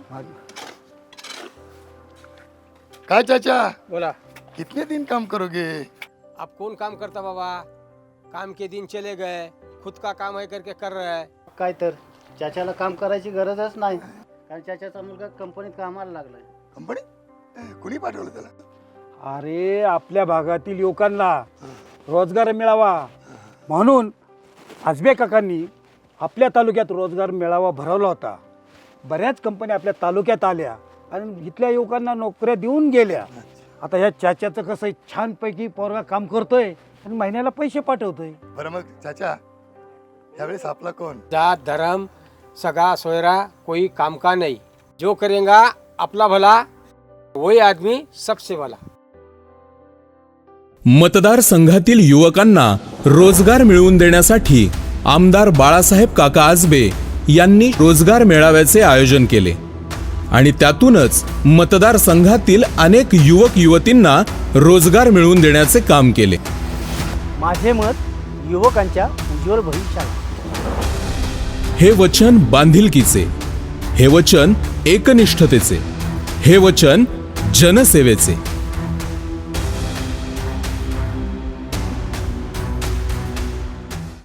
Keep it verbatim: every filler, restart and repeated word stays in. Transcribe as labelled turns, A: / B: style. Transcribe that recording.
A: काय चाचा,
B: बोला।
A: कितने दिन काम करोगे?
B: अब कौन काम करता बाबा, काम के दिन चले गए, खुद का काम है करके कर रहा है।
C: काय तर चाच्याला काम करायची गरजच नाही, कारण चाच्याचा मुलगा कंपनीत कामाला लागलाय।
A: कंपनी कुणी पाठवलं त्याला?
D: अरे आपल्या भागातील युवकांना रोजगार मिळावा म्हणून आजबे काकांनी आपल्या तालुक्यात रोजगार मेळावा भरवला होता। बऱ्याच कंपन्या आपल्या तालुक्यात आल्या आणि इथल्या युवकांना नोकऱ्या देऊन गेल्या। आता ह्या चाच्याचं कसं छानपैकी पोरगा काम करतोय आणि महिन्याला पैसे पाठवतोय।
A: बरं मग चाचा, यावेळेस आपला कोण?
B: जात धर्म सगा सोयरा कोई काम का नहीं, जो करेगा अपना भला वही आदमी सबसे भला।
E: मतदारसंघातील युवकांना रोजगार मिळवून देण्यासाठी आमदार बाळासाहेब काका आजबे यांनी रोजगार मेळाव्याचे आयोजन केले आणि त्यातूनच मतदारसंघातील अनेक युवक युवतींना रोजगार मिळवून देण्याचे काम केले।
C: माझे मत युवकांच्या उज्ज्वल भविष्याला।
E: हे वचन बांधिलकीचे, हे वचन एकनिष्ठतेचे, हे वचन जनसेवेचे।